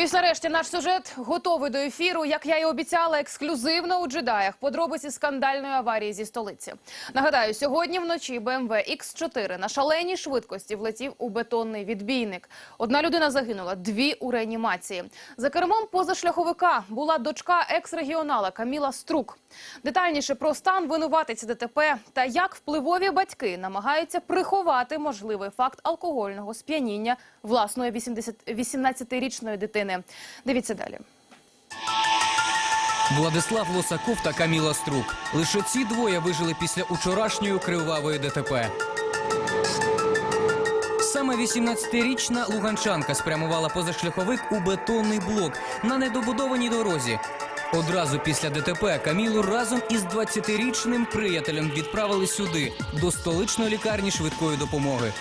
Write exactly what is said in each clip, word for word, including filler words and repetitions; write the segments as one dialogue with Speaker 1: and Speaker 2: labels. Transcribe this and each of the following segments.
Speaker 1: І нарешті наш сюжет готовий до ефіру. Як я і обіцяла, ексклюзивно у джедаях. Подробиці скандальної аварії зі столиці. Нагадаю, сьогодні вночі Бе Ем Ве Ікс чотири на шаленій швидкості влетів у бетонний відбійник. Одна людина загинула, дві у реанімації. За кермом позашляховика була дочка екс-регіонала Каміла Струк. Детальніше про стан винуватиці Де Те Пе та як впливові батьки намагаються приховати можливий факт алкогольного сп'яніння власної вісімнадцятирічної дитини. Дивіться далі.
Speaker 2: Владислав Лосаков та Каміла Струк. Лише ці двоє вижили після учорашньої кривавої Де Те Пе. Саме вісімнадцятирічна луганчанка спрямувала позашляховик у бетонний блок на недобудованій дорозі. Одразу після Де Те Пе Камілу разом із двадцятирічним приятелем відправили сюди, до столичної лікарні швидкої допомоги.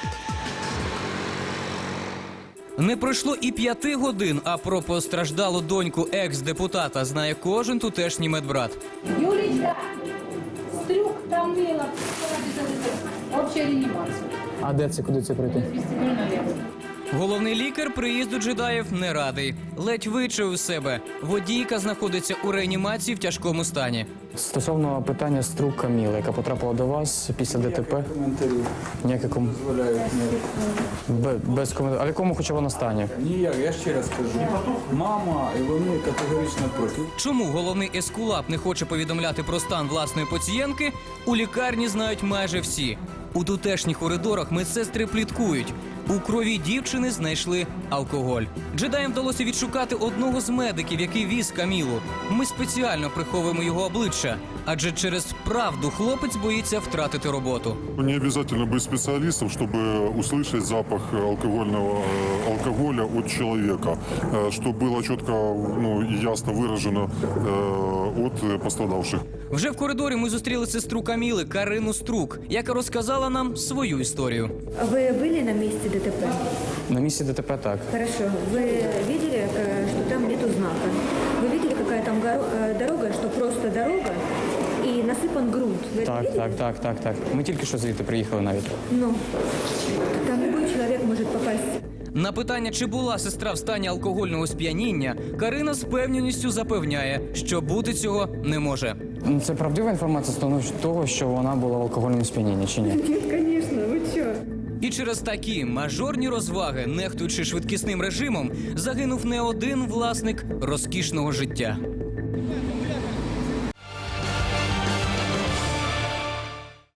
Speaker 2: Не пройшло і п'яти годин, а про постраждалу доньку екс-депутата знає кожен тутешній медбрат.
Speaker 3: Юлічка, Стрюк, Камила, обща реанімація.
Speaker 4: А де це, куди це прийти?
Speaker 2: Головний лікар приїзду джедаїв не радий. Ледь вичув себе. Водійка знаходиться у реанімації в тяжкому стані.
Speaker 4: Стосовно питання Струк Каміли, яка потрапила до вас після Де Те Пе. Ніяких коментарів. Без коментарів. А в якому хоча вона стані?
Speaker 5: Ніяк, я ще раз кажу. Мама і вони категорично проти.
Speaker 2: Чому головний ескулап не хоче повідомляти про стан власної пацієнтки, у лікарні знають майже всі. У тутешніх коридорах медсестри пліткують. У крові дівчини знайшли алкоголь. Джедаям вдалося відшукати одного з медиків, який віз Камілу. Ми спеціально приховуємо його обличчя, адже через правду хлопець боїться втратити роботу.
Speaker 6: Не обязательно быть специалистом, чтобы услышать запах алкогольного алкоголя от человека, что было четко, ну, и ясно выражено от пострадавших.
Speaker 2: Вже в коридорі ми зустріли сестру Каміли, Карину Струк, яка розказала нам свою історію.
Speaker 7: Вы были на месте Де Те Пе?
Speaker 4: На місці Де Те Пе так.
Speaker 7: Хорошо. Вы видели, э, что там нету знака? Вы видели, какая там горо- э, дорога, что просто дорога и насыпан грунт? Вы это
Speaker 4: Так,
Speaker 7: видели?
Speaker 4: так, так, так, так. Ми тільки що звідти приїхали навіть.
Speaker 7: Ну, там любой человек может попасть.
Speaker 2: На питання, чи була сестра в стані алкогольного сп'яніння, Карина з певністю запевняє, що бути цього не може.
Speaker 4: Це правдива інформація стосовно того, що вона була в алкогольному сп'янінні, чи ні?
Speaker 7: Нет, конечно, вы что?
Speaker 2: І через такі мажорні розваги, нехтуючи швидкісним режимом, загинув не один власник розкішного життя.